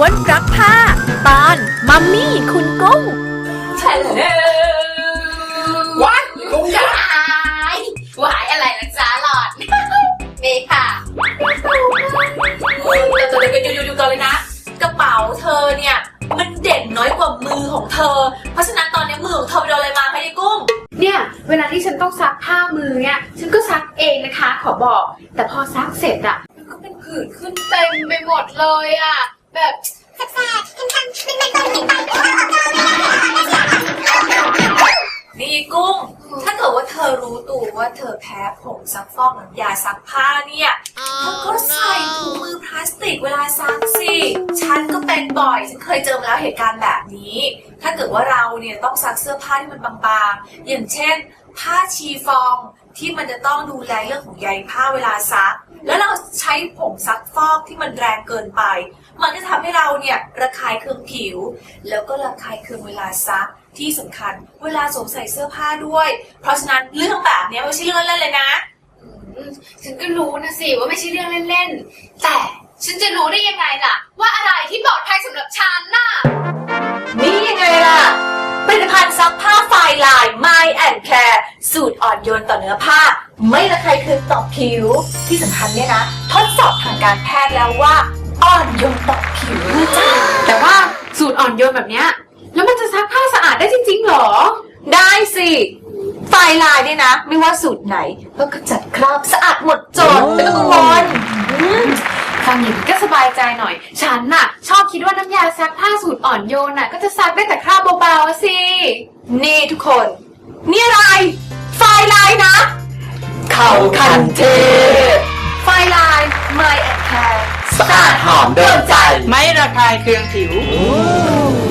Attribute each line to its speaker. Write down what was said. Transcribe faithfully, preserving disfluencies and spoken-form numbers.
Speaker 1: วนรักผ้าตอนมัมมี่คุณกุ้ง
Speaker 2: ใช่เลยว้ายกุ้งยายว้ายอะไรนะจ๊ะหลอดเมย์ค่ะแต่ตัวเด็กๆอยู่ๆก่อนเลยนะกระเป๋าเธอเนี่ยมันเด่นน้อยกว่ามือของเธอเพราะฉะนั้นตอนนี้มือของเธอไปโดนอะไรมาคะยายกุ้ง
Speaker 3: เนี่ยเวลาที่ฉันต้องซักผ้ามือเนี่ยฉันก็ซักเองนะคะขอบอกแต่พอซักเสร็จอะมันก็เป็นผื่นขึ้นเต็มไปหมดเลยอะแบบแสบๆคันๆเป็นๆเป็น
Speaker 2: ๆนี่กุ้งถ้าเกิดว่าเธอรู้ตัวว่าเธอแพ้ผงซักฟอกน้ำยาซักผ้าเนี่ยเธอก็ใส่ถุงมือพลาสติกเวลาซักสิฉันก็เป็นบ่อยฉันเคยเจอมาแล้วเหตุการณ์แบบนี้ถ้าเกิดว่าเราเนี่ยต้องซักเสื้อผ้าที่มันบางๆอย่างเช่นผ้าชีฟองที่มันจะต้องดูแลเรื่องของใยผ้าเวลาซักแล้วเราใช้ผงซักฟอกที่มันแรงเกินไปมันจะทำให้เราเนี่ยระคายเคืองผิวแล้วก็ระคายเคืองเวลาซักที่สำคัญเวลาสวมใส่เสื้อผ้าด้วยเพราะฉะนั้นเรื่องแบบนี้ไม่ใช่เรื่องเล่นๆเลยนะ
Speaker 3: ฉันก็รู้นะสิว่าไม่ใช่เรื่องเล่นๆแต่ฉันจะรู้ได้ยังไงล่ะว่าอะไรที่ปลอดภัยสำหรับฉันน่ะ
Speaker 2: นี่ยังไงล่ะผลิตภัณฑ์ซักผ้าไฟลาย My and Care สูตรอ่อนโยนต่อเนื้อผ้าไม่ระคายเคืองต่อผิวที่สำคัญเนี่ยนะทดสอบทางการแพทย์แล้วว่าอ่อนโยนต่อผิวจ้า
Speaker 3: แต่ว่าสูตรอ่อนโยนแบบเนี้ยแล้วมันจะซักผ้าสะอาดได้จริงๆหรอ
Speaker 2: ได้สิไฟลายเนี่ยนะไม่ว่าสูตรไหนก็ขจัดคราบสะอาดหมดจดไม่ต้องกังวล
Speaker 3: ฟังอย่างนี้ก็สบายใจหน่อยฉันน่ะชอบคิดว่าน้ำยาซักผ้าสูตรอ่อนโยนน่ะก็จะซักได้แต่คราบเบาๆสิ
Speaker 2: นี่ทุกคนนี่อะไรไฟลายนะเขาคันเทไฟลาย My and Care
Speaker 4: สะอาดหอมโดนใจ
Speaker 5: ไม่ระคายเคืองผิว